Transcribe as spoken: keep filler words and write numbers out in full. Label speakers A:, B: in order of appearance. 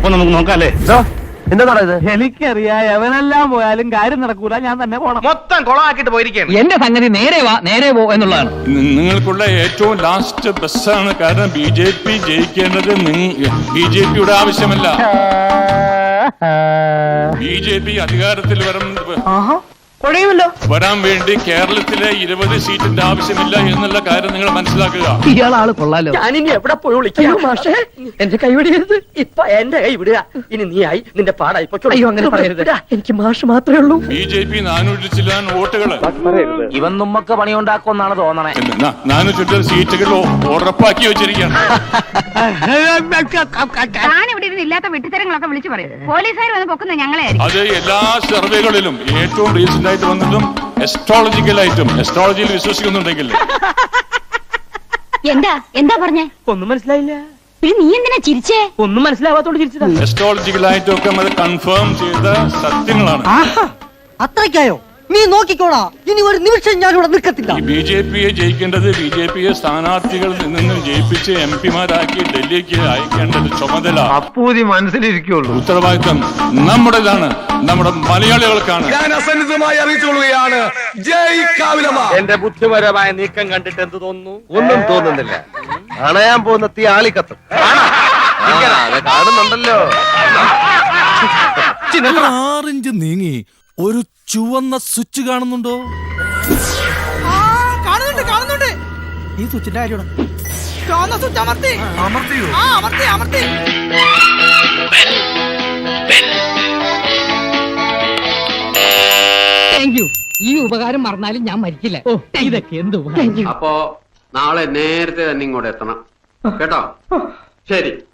A: അപ്പൊ നമുക്ക് നോക്കാല്ലേ?
B: എന്താ ഇത്?
A: എനിക്കറിയാം, എവനെല്ലാം പോയാലും കാര്യം നടക്കൂല, ഞാൻ തന്നെ പോണം.
C: മൊത്തം കൊളമാക്കിട്ട് പോയിരിക്കുകയാണ്.
D: എന്റെ സംഗതി നേരെ വാ നേരെ പോ എന്നുള്ളതാണ്
E: നിങ്ങൾക്കുള്ള ഏറ്റവും ലാസ്റ്റ് ബസ്സാണ്. കാരണം ബി ജെ പി ജയിക്കേണ്ടത് ബി ജെ പിയുടെ ആവശ്യമല്ല. ബി ജെ പി അധികാരത്തിൽ വരണം വരാൻ വേണ്ടി കേരളത്തിലെ ഇരുപത് സീറ്റിന്റെ ആവശ്യമില്ല എന്നുള്ള കാര്യം നിങ്ങൾ മനസ്സിലാക്കുക.
D: ഇയാളാള് കൊള്ളാലോ.
F: ഞാനിനി എവിടെ പോയി വിളിക്കാം മാഷേ? എന്റെ കൈ വിടരുത്. ഇപ്പൊ എന്റെ കൈ വിടുക. ഇനി നീ ആയി നിന്റെ പാടായി. അയ്യോ അങ്ങനെ പറയരുത്. എനിക്ക് മാഷ് മാത്രമേ ഉള്ളൂ.
E: ബി ജെ പി നാനൂറ്റി ചില്ലാൻ വോട്ടുകള്.
B: ഇവൻ നമ്മക്ക് പണിയുണ്ടാക്കുമെന്നാണ് തോന്നണേ.
E: നാനൂറ്റി സീറ്റുകൾ ഉറപ്പാക്കി വെച്ചിരിക്കുകയാണ്.
G: ഇവിടെ ഇരുന്ന് ഇല്ലാത്ത വെട്ടിത്തരങ്ങളൊക്കെ വിളിച്ചു പറയും. പോലീസുകാർ വന്ന് പൊക്കുന്നത് ഞങ്ങളെ.
E: അത് എല്ലാ സർവേകളിലും ഏറ്റവും റീസെന്റ് ആയിട്ട് വന്നതും എസ്ട്രോളജിക്കലായിട്ടും എസ്ട്രോളജിയിൽ വിശ്വസിക്കുന്നുണ്ടെങ്കിൽ.
G: എന്താ എന്താ പറഞ്ഞേ?
F: ഒന്നും മനസ്സിലായില്ല.
G: നീ എന്തിനാ ചിരിച്ചേ?
F: ഒന്നും മനസ്സിലാവാത്തോണ്ട് ചിരിച്ചതാ.
E: എസ്ട്രോളജിക്കലായിട്ടും ഒക്കെ അത് കൺഫേം ചെയ്ത സത്യങ്ങളാണ്.
H: അത്രയ്ക്കായോ? നീ നോക്കിക്കോളാ, ഇനി ഒരു നിമിഷം ഞാൻ ഇവിടെ നിൽക്കത്തില്ല.
E: ബി ജെ പിയെ ജയിക്കേണ്ടത് ബി ജെ പിയെ സ്ഥാനാർത്ഥികളിൽ നിന്ന് ജയിപ്പിച്ച് എം പിമാരാക്കി ഡൽഹിക്ക് അയക്കേണ്ടത് ചുമതല
C: അപ്പൂതി മനസ്സിലിരിക്കുള്ളൂ.
E: ഉത്തരവാദിത്വം നമ്മുടേതാണ്, നമ്മുടെ മലയാളികൾക്കാണ്.
C: ഞാൻ അസന്നിധമായി അറിയിച്ചുകൊള്ളുകയാണ്, ജയ് കാവിലമ്മ.
F: എന്റെ ബുദ്ധിപരമായ നീക്കം കണ്ടിട്ട് എന്ത് തോന്നുന്നു?
B: ഒന്നും തോന്നുന്നില്ല. അണയാൻ പോകുന്ന തീ ആളിക്കത്തും കാണുന്നുണ്ടല്ലോ.
I: ആറിഞ്ച് നീങ്ങി ഒരു ചുവന്ന സ്വിച്ച് കാണുന്നുണ്ടോ?
H: കാണുന്നുണ്ട് കാണുന്നുണ്ട്. ഈ സ്വിച്ചിന്റെ കാര്യമാണ്. ചുവന്ന സ്വിച്ച് അമർത്തി
C: അമർത്തിയോ?
H: ആ അമർത്തി അമർത്തി.
D: Thank you. ഈ ഉപകാരം മറന്നാലും ഞാൻ മരിക്കില്ല. ഇതൊക്കെ എന്ത്
J: അപ്പോ നാളെ നേരത്തെ തന്നെ ഇങ്ങോട്ട് എത്തണം കേട്ടോ. ശരി.